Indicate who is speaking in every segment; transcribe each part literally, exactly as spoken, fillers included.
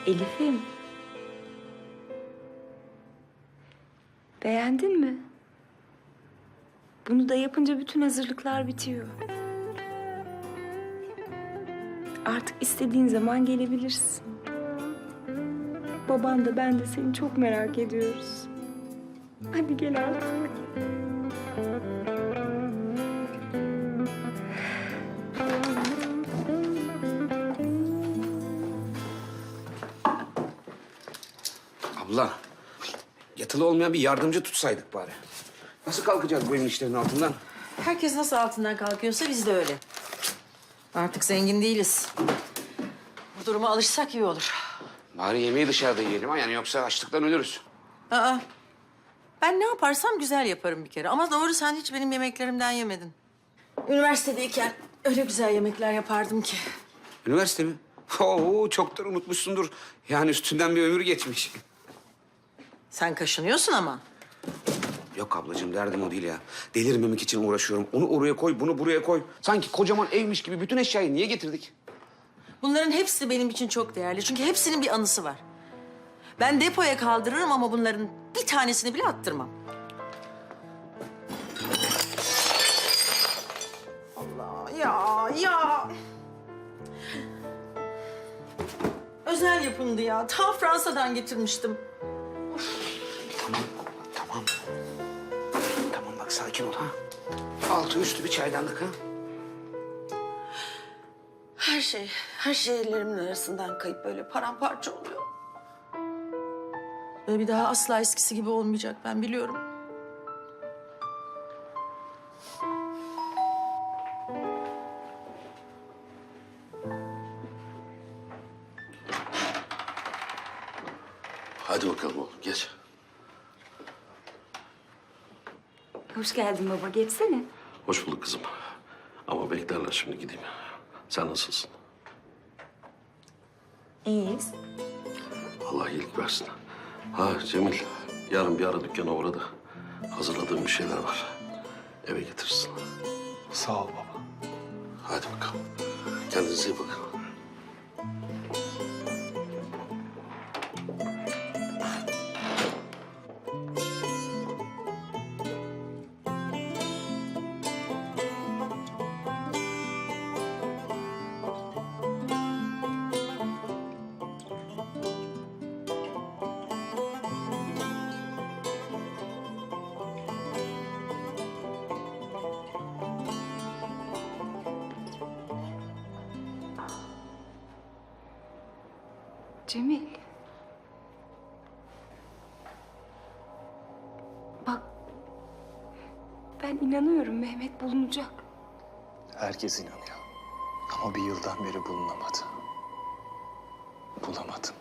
Speaker 1: Elif'im. Beğendin mi? Bunu da yapınca bütün hazırlıklar bitiyor. Artık istediğin zaman gelebilirsin. Baban da ben de seni çok merak ediyoruz. Hadi gel artık.
Speaker 2: Abla, yatılı olmayan bir yardımcı tutsaydık bari. Nasıl kalkacağız bu evin işlerinin altından?
Speaker 3: Herkes nasıl altından kalkıyorsa biz de öyle. Artık zengin değiliz. Bu duruma alışsak iyi olur.
Speaker 2: Bari yemeği dışarıda yiyelim ha, yani yoksa açlıktan ölürüz.
Speaker 3: Aa, ben ne yaparsam güzel yaparım bir kere. Ama doğru sen hiç benim yemeklerimden yemedin. Üniversitedeyken öyle güzel yemekler yapardım ki.
Speaker 2: Üniversite mi? Oo, çoktan unutmuşsundur. Yani üstünden bir ömür geçmiş.
Speaker 3: Sen kaşınıyorsun ama.
Speaker 2: Yok ablacığım, derdim o değil ya. Delirmemek için uğraşıyorum. Onu oraya koy, bunu buraya koy. Sanki kocaman evmiş gibi bütün eşyayı niye getirdik?
Speaker 3: Bunların hepsi benim için çok değerli. Çünkü hepsinin bir anısı var. Ben depoya kaldırırım ama bunların bir tanesini bile attırmam. Allah ya ya. Özel yapımdı ya. Ta Fransa'dan getirmiştim.
Speaker 2: Tamam, tamam. Tamam bak, sakin ol ha. Altı üstü bir çaydanlık ha.
Speaker 3: Her şey, her şey ellerimin arasından kayıp böyle paramparça oluyor. Ve bir daha asla eskisi gibi olmayacak, ben biliyorum.
Speaker 4: Hadi bakalım oğlum, geç.
Speaker 1: Hoş geldin baba, geçsene.
Speaker 4: Hoş bulduk kızım. Ama beklerler, şimdi gideyim. Sen nasılsın?
Speaker 1: İyiyiz.
Speaker 4: Allah iyilik versin. Ha Cemil, yarın bir ara dükkana uğra da hazırladığım bir şeyler var. Eve getirsin.
Speaker 5: Sağ ol baba.
Speaker 4: Hadi bakalım. Kendinize iyi bakın.
Speaker 1: Cemil. Bak, ben inanıyorum Mehmet bulunacak.
Speaker 5: Herkes inanıyor. Ama bir yıldan beri bulunamadı. Bulamadım.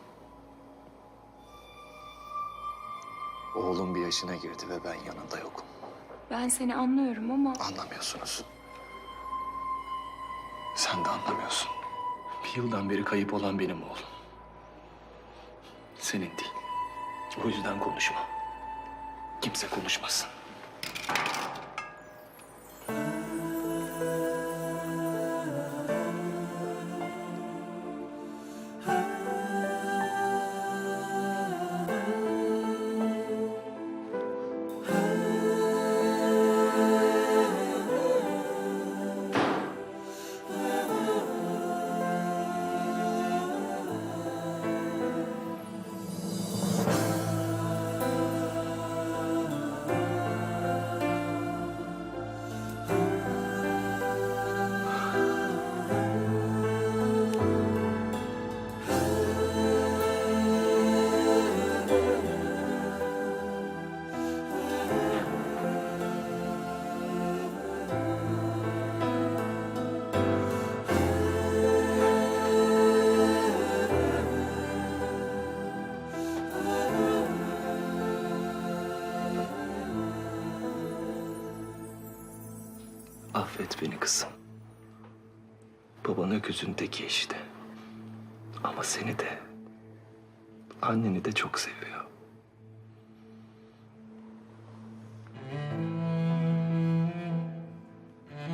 Speaker 5: Oğlum bir yaşına girdi ve ben yanında yokum.
Speaker 1: Ben seni anlıyorum ama
Speaker 5: Anlamıyorsunuz. Sen de anlamıyorsun. Bir yıldan beri kayıp olan benim oğlum. Senin değil. O yüzden konuşma. Kimse konuşmasın. Affet beni kızım. Baban öküzün teki işte. Ama seni de, anneni de çok seviyor.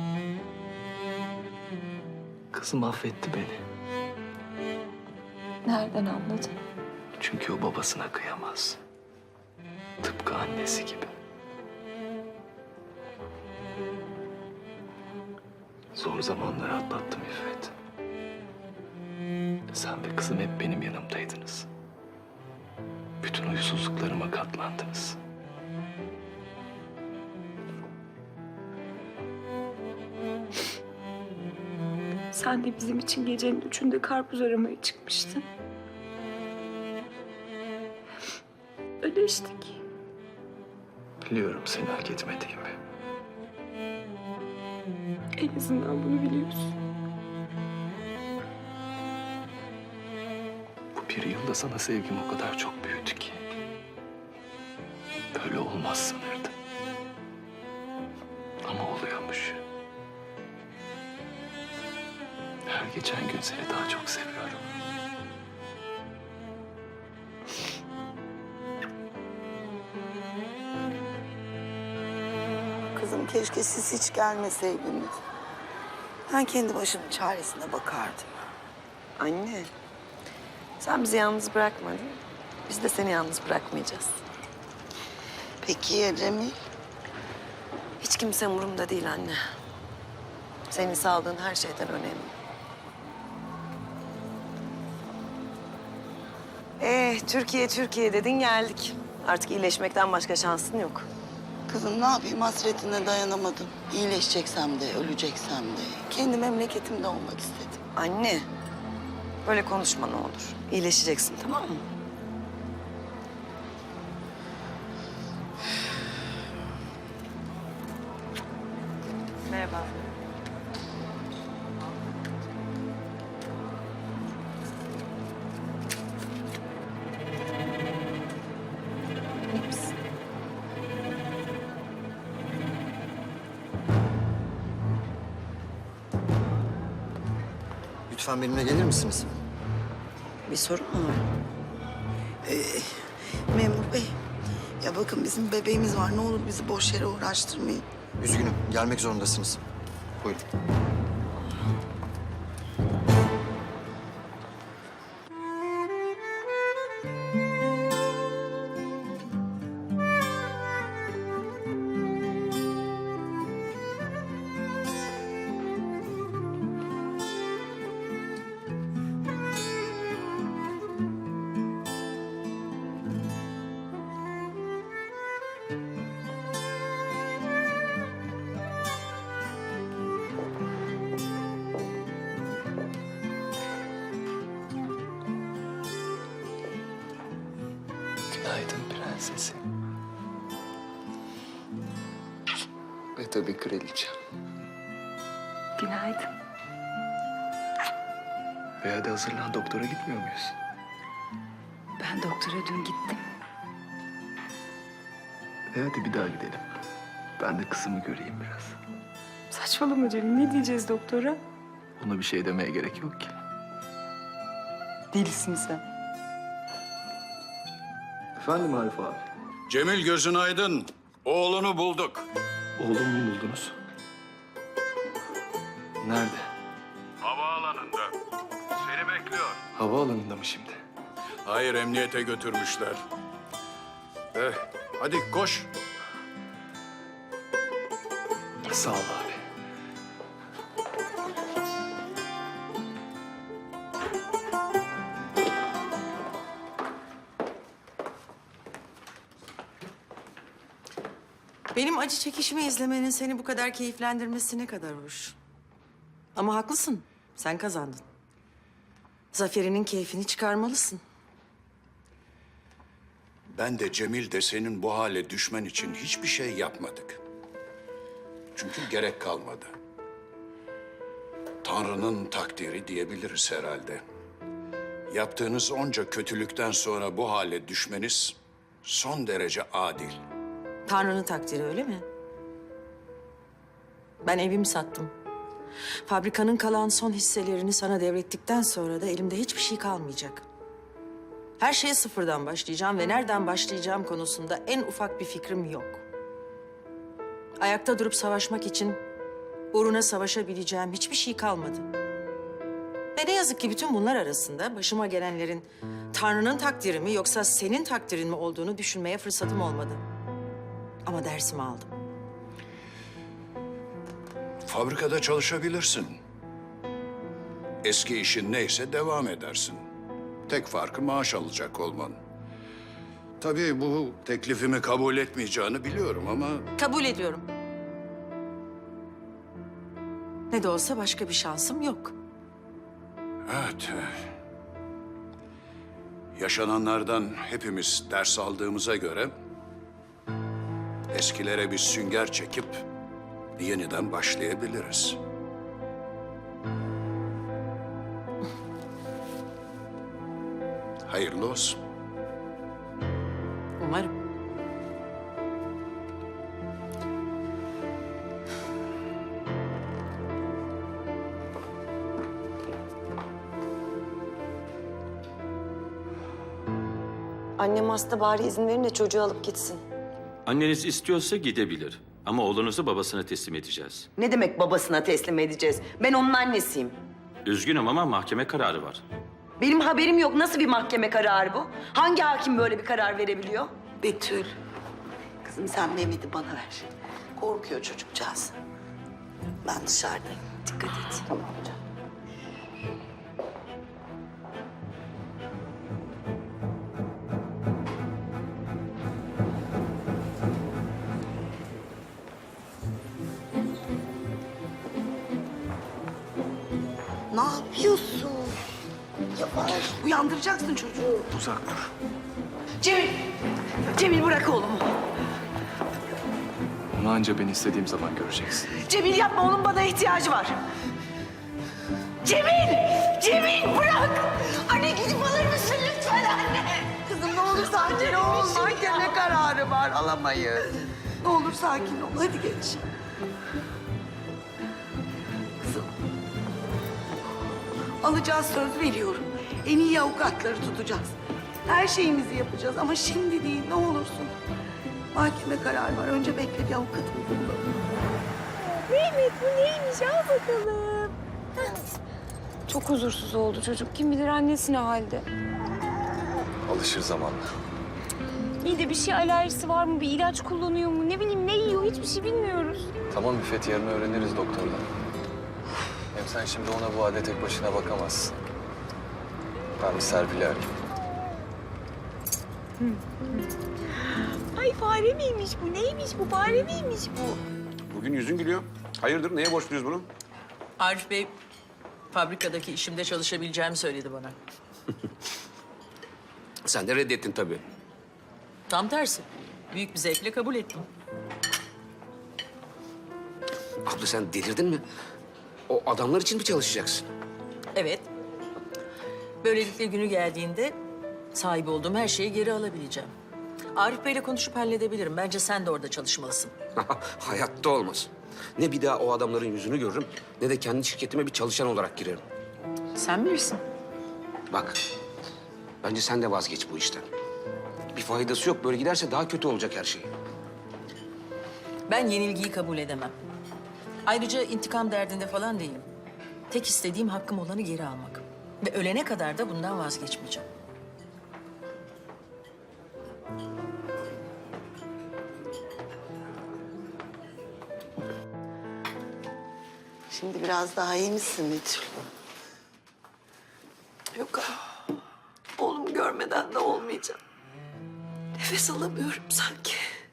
Speaker 5: Kızım affetti beni.
Speaker 1: Nereden anladın?
Speaker 5: Çünkü o babasına kıyamaz. Tıpkı annesi gibi. Zor zamanları atlattım İffet. Sen ve kızım hep benim yanımdaydınız. Bütün huysuzluklarıma katlandınız.
Speaker 1: Sen de bizim için gecenin üçünde karpuz aramaya çıkmıştın. Ödeştik.
Speaker 5: Biliyorum seni hak etmediğimi.
Speaker 1: En azından bunu biliyorsun.
Speaker 5: Bu bir yılda sana sevgim o kadar çok büyüdü ki. Böyle olmaz sanırdım. Ama oluyormuş. Her geçen gün seni daha çok seviyorum.
Speaker 6: Kızım keşke siz hiç gelmeseydiniz. Ben kendi başımın çaresine bakardım.
Speaker 7: Anne, sen bizi yalnız bırakmadın. Biz de seni yalnız bırakmayacağız.
Speaker 6: Peki ya Cemil?
Speaker 7: Hiç kimse umurumda değil anne. Senin sağlığın her şeyden önemli. Eh, Türkiye, Türkiye dedin geldik. Artık iyileşmekten başka şansın yok.
Speaker 6: Kızım ne yapayım hasretine dayanamadım. İyileşeceksem de öleceksem de kendi memleketimde olmak istedim.
Speaker 7: Anne, böyle konuşma ne olur. İyileşeceksin, tamam mı? Merhaba. İyi misin?
Speaker 8: Lütfen benimle gelir misiniz?
Speaker 7: Bir sorun mu var?
Speaker 6: Memur bey, ya bakın bizim bebeğimiz var. Ne olur bizi boş yere uğraştırmayın.
Speaker 8: Üzgünüm, gelmek zorundasınız. Buyurun.
Speaker 5: Günaydın prensesim. Ve tabii kraliçem.
Speaker 1: Günaydın.
Speaker 5: Ve hadi hazırlan, doktora gitmiyor muyuz?
Speaker 1: Ben doktora dün gittim.
Speaker 5: E hadi bir daha gidelim. Ben de kızımı göreyim biraz.
Speaker 1: Saçmalama Cemil. Ne diyeceğiz doktora?
Speaker 5: Ona bir şey demeye gerek yok ki.
Speaker 1: Delisin sen.
Speaker 5: Efendim Arif abi?
Speaker 9: Cemil gözün aydın. Oğlunu bulduk.
Speaker 5: Oğlumu mu buldunuz? Nerede?
Speaker 9: Havaalanında. Seni bekliyor.
Speaker 5: Havaalanında mı şimdi?
Speaker 9: Hayır, emniyete götürmüşler. Eh, hadi koş.
Speaker 5: Sağ ol abi.
Speaker 3: Benim acı çekişimi izlemenin seni bu kadar keyiflendirmesi ne kadar hoş. Ama haklısın. Sen kazandın. Zaferinin keyfini çıkarmalısın.
Speaker 9: Ben de Cemil de senin bu hale düşmen için hiçbir şey yapmadık. Çünkü gerek kalmadı. Tanrı'nın takdiri diyebiliriz herhalde. Yaptığınız onca kötülükten sonra bu hale düşmeniz son derece adil.
Speaker 3: Tanrı'nın takdiri öyle mi? Ben evimi sattım. Fabrikanın kalan son hisselerini sana devrettikten sonra da elimde hiçbir şey kalmayacak. Her şeye sıfırdan başlayacağım ve nereden başlayacağım konusunda en ufak bir fikrim yok. Ayakta durup savaşmak için uğruna savaşabileceğim hiçbir şey kalmadı. Ve ne yazık ki bütün bunlar arasında başıma gelenlerin Tanrı'nın takdiri mi yoksa senin takdirin mi olduğunu düşünmeye fırsatım olmadı. Ama dersimi aldım.
Speaker 9: Fabrikada çalışabilirsin. Eski işin neyse devam edersin. Tek farkı maaş alacak olman. Tabii bu teklifimi kabul etmeyeceğini biliyorum ama...
Speaker 3: Kabul ediyorum. Ne de olsa başka bir şansım yok.
Speaker 9: Evet. Yaşananlardan hepimiz ders aldığımıza göre... eskilere bir sünger çekip yeniden başlayabiliriz. Hayırlı olsun.
Speaker 3: Umarım.
Speaker 7: Annem hasta, bari izin verin de çocuğu alıp gitsin.
Speaker 10: Anneniz istiyorsa gidebilir. Ama oğlunuzu babasına teslim edeceğiz.
Speaker 6: Ne demek babasına teslim edeceğiz? Ben onun annesiyim.
Speaker 10: Üzgünüm ama mahkeme kararı var.
Speaker 6: Benim haberim yok. Nasıl bir mahkeme kararı bu? Hangi hakim böyle bir karar verebiliyor? Betül. Kızım sen Mehmet'i bana ver. Korkuyor çocukcağız. Ben dışarıdayım. Dikkat et. Tamam canım. Ne yapıyorsun? Yavaş. Uyandıracaksın çocuğu.
Speaker 5: Uzak dur.
Speaker 6: Cemil. Cemil bırak oğlumu.
Speaker 5: Onu anca ben istediğim zaman göreceksin.
Speaker 6: Cemil yapma, onun bana ihtiyacı var. Cemil! Cemil bırak! Anne gidip alır mısın lütfen anne? Kızım ne olur sakin ol. Mahkeme kararı var, alamayız. Ne olur sakin ol, hadi geç. Kızım. Alacağız, söz veriyorum. En iyi avukatları tutacağız. Her şeyimizi yapacağız ama şimdi değil, ne olursun. Mahkeme kararı var, önce bekle bir avukatımızı bulalım.
Speaker 1: Mehmet bu neymiş? Al bakalım. Çok huzursuz oldu çocuk. Kim bilir annesi ne halde.
Speaker 5: Alışır zamanla.
Speaker 1: İyi de bir şey alerjisi var mı? Bir ilaç kullanıyor mu? Ne bileyim ne yiyor? Hiçbir şey bilmiyoruz.
Speaker 5: Tamam İffet, yarın öğreniriz doktordan. Hem sen şimdi ona bu halde tek başına bakamazsın. Ben bir Serpil'i arayayım.
Speaker 1: Ay fare miymiş bu? Neymiş bu? Fare miymiş bu?
Speaker 2: Bugün yüzün gülüyor. Hayırdır, neye borçluyuz bunu?
Speaker 3: Arif Bey fabrikadaki işimde çalışabileceğimi söyledi bana.
Speaker 2: Sen de reddettin tabii.
Speaker 3: Tam tersi. Büyük bir zevkle kabul ettim.
Speaker 2: Abla sen delirdin mi? O adamlar için mi çalışacaksın?
Speaker 3: Evet. Böylelikle günü geldiğinde sahip olduğum her şeyi geri alabileceğim. Arif Bey'le konuşup halledebilirim. Bence sen de orada çalışmalısın.
Speaker 2: Hayatta olmaz. Ne bir daha o adamların yüzünü görürüm, ne de kendi şirketime bir çalışan olarak girerim.
Speaker 3: Sen bilirsin.
Speaker 2: Bak, bence sen de vazgeç bu işten. Bir faydası yok. Böyle giderse daha kötü olacak her şey.
Speaker 3: Ben yenilgiyi kabul edemem. Ayrıca intikam derdinde falan değilim. Tek istediğim hakkım olanı geri almak. Ve ölene kadar da bundan vazgeçmeyeceğim.
Speaker 6: Şimdi biraz daha iyi misin Betül? Yok ama oğlum görmeden de olmayacağım. Nefes alamıyorum sanki.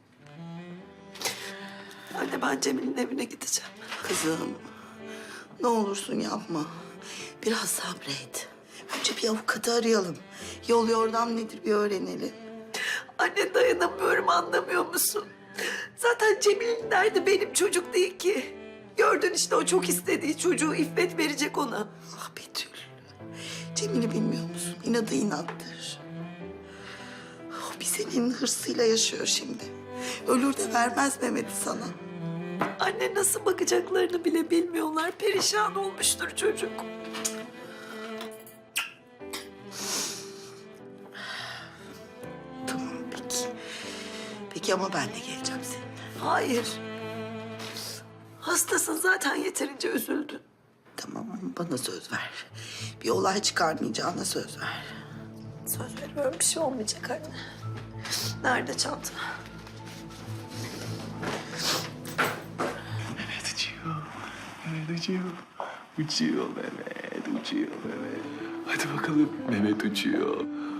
Speaker 6: Anne ben Cemil'in evine gideceğim. Kızım ne olursun yapma. Biraz sabret. Önce bir avukatı arayalım. Yol yordam nedir bir öğrenelim. Anne dayanamıyorum, anlamıyor musun? Zaten Cemil'in derdi benim çocuk değil ki. Gördün işte, o çok istediği çocuğu İffet verecek ona. Ah Betül. Cemil'i bilmiyor musun? İnadı inattır. O bir senin hırsıyla yaşıyor şimdi. Ölür de vermez Mehmet'i sana. Anne nasıl bakacaklarını bile bilmiyorlar. Perişan olmuştur çocuk. Tamam peki. Peki ama ben de geleceğim seninle. Hayır. Hastasın zaten, yeterince üzüldün. Tamam ama bana söz ver. Bir olay çıkarmayacağına söz ver.
Speaker 7: Söz veriyorum bir şey olmayacak anne. Nerede çanta?
Speaker 5: Mehmet uçuyor. Mehmet uçuyor. Uçuyor Mehmet, uçuyor Mehmet. Hadi bakalım. Mehmet uçuyor.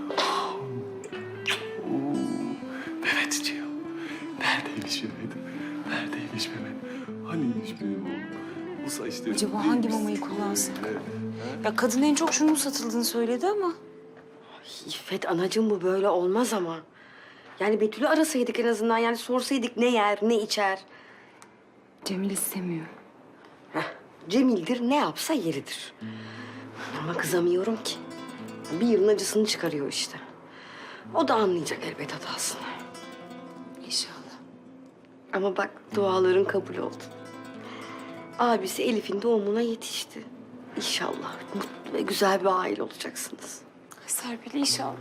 Speaker 5: Oo, Mehmet uçuyor. Neredeymiş Mehmet? Neredeymiş Mehmet? Haniymiş benim oğlum? Bu saçları...
Speaker 1: Acaba hangi mamayı kullansak? Ya kadın en çok şunun satıldığını söyledi ama.
Speaker 11: İffet anacığım bu böyle olmaz ama. Yani Betül'ü arasaydık en azından. Yani sorsaydık ne yer, ne içer.
Speaker 1: Cemil istemiyor.
Speaker 11: Heh, Cemil'dir ne yapsa yeridir. Ama kızamıyorum ki. Bir yılın acısını çıkarıyor işte. O da anlayacak elbet hatasını.
Speaker 1: İnşallah.
Speaker 11: Ama bak duaların kabul oldu. Abisi Elif'in doğumuna yetişti. İnşallah mutlu ve güzel bir aile olacaksınız.
Speaker 1: Serpil inşallah.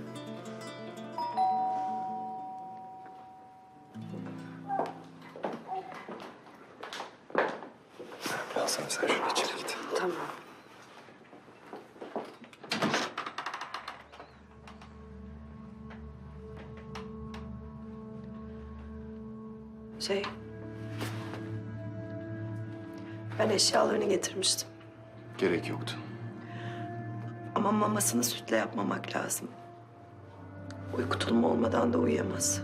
Speaker 5: Alsana sen şunu içeri git.
Speaker 11: Tamam.
Speaker 7: Şey... Ben eşyalarını getirmiştim.
Speaker 5: Gerek yoktu.
Speaker 7: Ama mamasını sütle yapmamak lazım. Uyku tulumu olmadan da uyuyamaz.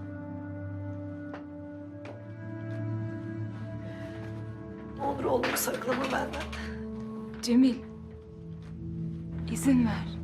Speaker 7: Ne olur oğlumu saklama benden.
Speaker 1: Cemil. izin ver.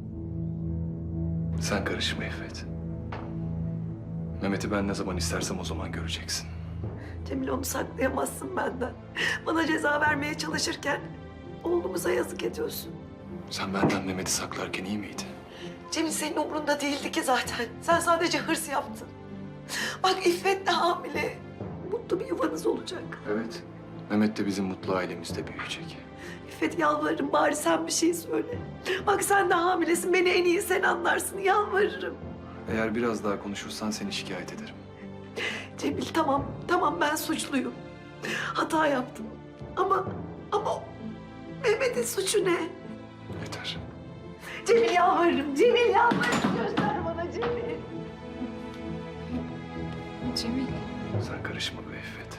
Speaker 5: Sen karışma İffet. Mehmet'i ben ne zaman istersem o zaman göreceksin.
Speaker 7: Cemil onu saklayamazsın benden. Bana ceza vermeye çalışırken oğlumuza yazık ediyorsun.
Speaker 5: Sen benden Mehmet'i saklarken iyi miydi?
Speaker 7: Cemil senin umurunda değildi ki zaten. Sen sadece hırs yaptın. Bak İffet de hamile. Mutlu bir yuvanız olacak.
Speaker 5: Evet. Mehmet de bizim mutlu ailemizde büyüyecek.
Speaker 7: İffet yalvarırım bari sen bir şey söyle. Bak sen de hamilesin. Beni en iyi sen anlarsın. Yalvarırım.
Speaker 5: Eğer biraz daha konuşursan seni şikayet ederim.
Speaker 7: Cemil tamam. Tamam ben suçluyum. Hata yaptım. Ama ama Mehmet'in suçu ne?
Speaker 5: Yeter.
Speaker 7: Cemil yalvarırım. Cemil yalvarırım. Göster bana Cemil.
Speaker 1: Cemil.
Speaker 5: Sen karışma be İffet.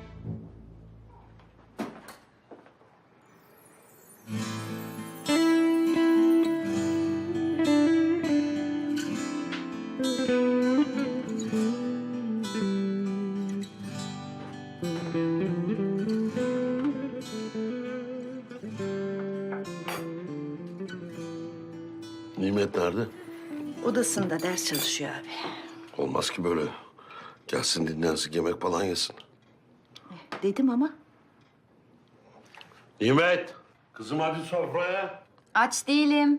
Speaker 4: Nimet nerede?
Speaker 3: Odasında ders çalışıyor abi.
Speaker 4: Olmaz ki böyle. Gelsin dinlensin, yemek falan yesin.
Speaker 3: Dedim ama.
Speaker 4: Nimet! Kızım hadi sofraya.
Speaker 1: Aç değilim.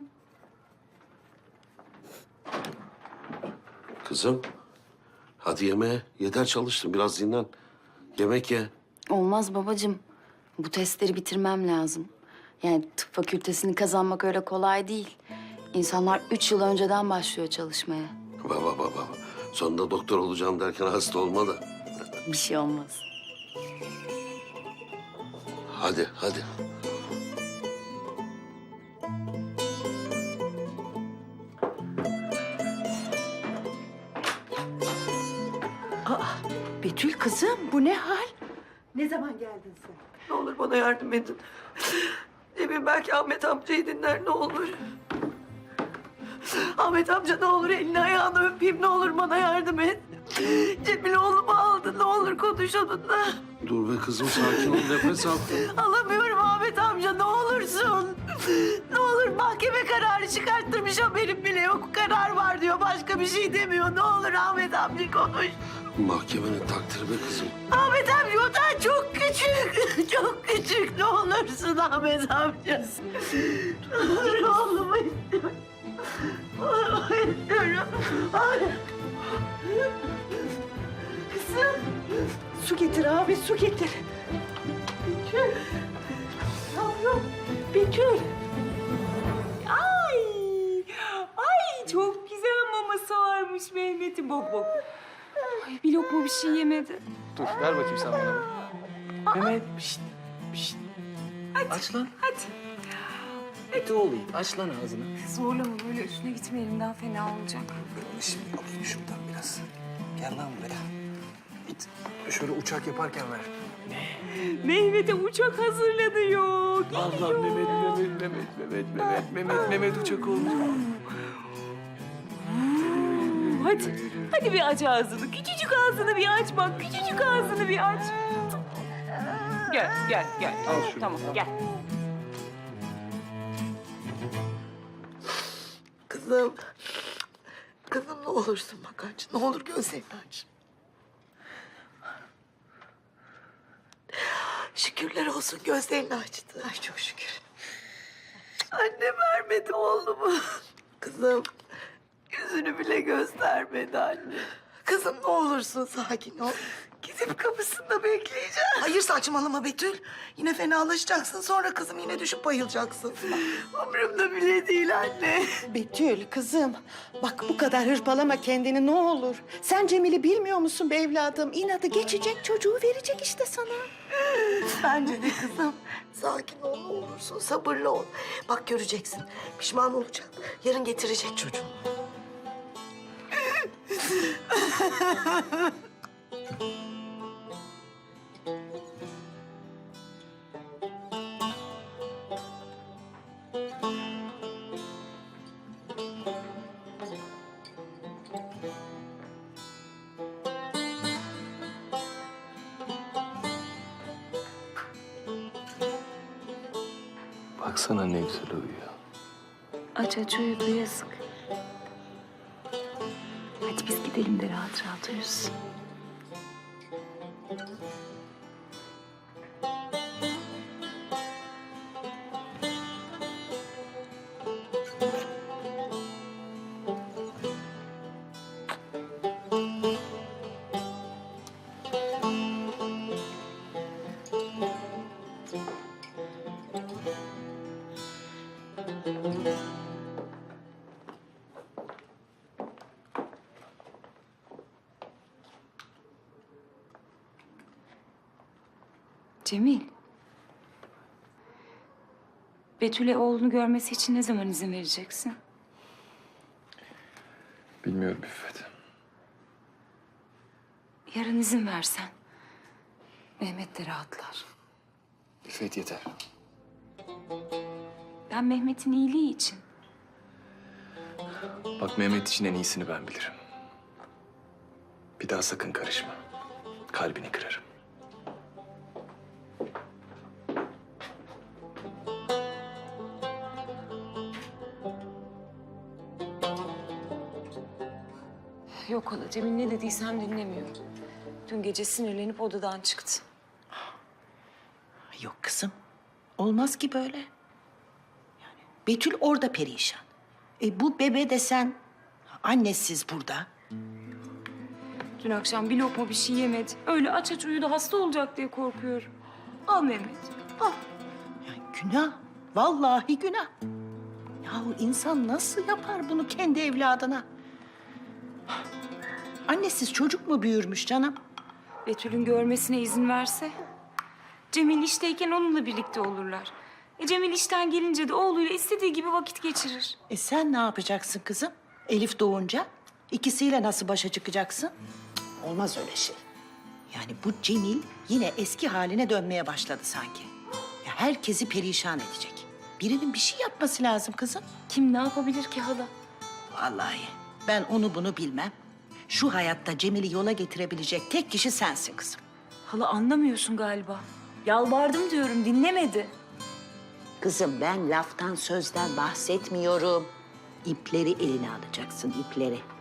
Speaker 4: Kızım, hadi yemeğe. Yeter çalıştın, biraz dinlen. Yemek ye.
Speaker 12: Olmaz babacığım. Bu testleri bitirmem lazım. Yani tıp fakültesini kazanmak öyle kolay değil. İnsanlar üç yıl önceden başlıyor çalışmaya.
Speaker 4: Baba baba. Sonunda doktor olacağım derken hasta olma da.
Speaker 12: Bir şey olmaz.
Speaker 4: Hadi, hadi.
Speaker 3: Betül kızım bu ne hal? Ne zaman geldin sen?
Speaker 7: Ne olur bana yardım edin. Cemil belki Ahmet amcayı dinler ne olur. Ahmet amca ne olur elini ayağını öpeyim ne olur bana yardım et. Cemil oğlumu aldı ne olur konuş onunla.
Speaker 4: Dur be kızım, sakin ol, nefes al.
Speaker 7: Alamıyorum Ahmet amca ne olursun. Ne olur mahkeme kararı çıkarttırmış haberim bile yok. Karar var diyor başka bir şey demiyor. Ne olur Ahmet amca konuş.
Speaker 4: Mahkemenin takdiri be kızım.
Speaker 7: Ahmet amca o da çok küçük. Çok küçük ne olursun Ahmet amca. Ne olur oğlumu istiyorum. Oğlumu istiyorum. Ay. Kızım.
Speaker 3: Su getir abi su getir.
Speaker 7: Betül. Yavrum. Betül.
Speaker 1: Ay. Ay çok güzel maması varmış Mehmet'in. Bak bak. Ay bir lokma bir şey yemedi.
Speaker 5: Dur, ver bakayım sen bana. Mehmet, pişt, pişt.
Speaker 1: Ay hadi.
Speaker 5: Aç lan.
Speaker 1: Hadi.
Speaker 5: Eti olayım. Aç lan ağzını.
Speaker 1: Zorlama böyle üstüne gitmeyelim daha fena olacak.
Speaker 5: Ben şimdi alayım şuradan biraz. Gel lan buraya. Git. Şöyle uçak yaparken ver.
Speaker 1: Mehmet'e uçak hazırlanıyor.
Speaker 5: Allah Mehmet, Mehmet, Mehmet, Mehmet, Mehmet, Mehmet, Mehmet uçak oldu.
Speaker 1: Hadi, hadi bir aç ağzını. Küçücük ağzını bir aç bak. Küçücük ağzını bir aç. Gel, gel, gel.
Speaker 5: Al şunu.
Speaker 1: Tamam, gel.
Speaker 6: Kızım. Kızım ne olursun bak aç. Ne olur gözlerini aç. Şükürler olsun gözlerini açtı. Ay çok şükür. Anne vermedi oğlumu. Kızım yüzünü bile göstermedi anne. Kızım ne olursun sakin ol. Gidip kapısında bekleyeceğim. Hayır saçmalama Betül. Yine fenalaşacaksın. Sonra kızım yine düşüp bayılacaksın. Umurumda bile değil anne.
Speaker 7: Betül kızım bak bu kadar hırpalama kendini ne olur. Sen Cemil'i bilmiyor musun be evladım? İnadı geçecek çocuğu verecek işte sana.
Speaker 6: Bence de kızım. Sakin ol ne olursun. Sabırlı ol. Bak göreceksin. Pişman olacak. Yarın getirecek çocuğunu.
Speaker 5: Baksana ne güzel uyuyor.
Speaker 12: Aç aç uyudu yazık. Hadi biz gidelim de rahat rahat uyusun.
Speaker 1: Cemil. Betül'e oğlunu görmesi için ne zaman izin vereceksin?
Speaker 5: Bilmiyorum İffet.
Speaker 1: Yarın izin versen. Mehmet de rahatlar.
Speaker 5: İffet yeter.
Speaker 1: Ben Mehmet'in iyiliği için.
Speaker 5: Bak Mehmet için en iyisini ben bilirim. Bir daha sakın karışma. Kalbini kırarım.
Speaker 1: Yok hala Cemil ne dediysem dinlemiyor. Dün gece sinirlenip odadan çıktı.
Speaker 7: Yok kızım. Olmaz ki böyle. Yani Betül orada perişan. E bu bebe desen annesiz burada.
Speaker 1: Dün akşam bir lokma bir şey yemedi. Öyle aç aç uyudu hasta olacak diye korkuyorum. Al Mehmet. Al.
Speaker 7: Yani günah. Vallahi günah. Yahu insan nasıl yapar bunu kendi evladına? Annesiz çocuk mu büyürmüş canım?
Speaker 1: Betül'ün görmesine izin verse. Cemil işteyken onunla birlikte olurlar. E Cemil işten gelince de oğluyla istediği gibi vakit geçirir.
Speaker 7: E sen ne yapacaksın kızım? Elif doğunca ikisiyle nasıl başa çıkacaksın? Cık, olmaz öyle şey. Yani bu Cemil yine eski haline dönmeye başladı sanki. Ya herkesi perişan edecek. Birinin bir şey yapması lazım kızım.
Speaker 1: Kim ne yapabilir ki hala?
Speaker 7: Vallahi ben onu bunu bilmem. Şu hayatta Cemil'i yola getirebilecek tek kişi sensin kızım.
Speaker 1: Hala anlamıyorsun galiba. Yalvardım diyorum dinlemedi.
Speaker 7: Kızım ben laftan sözden bahsetmiyorum. İpleri eline alacaksın, ipleri.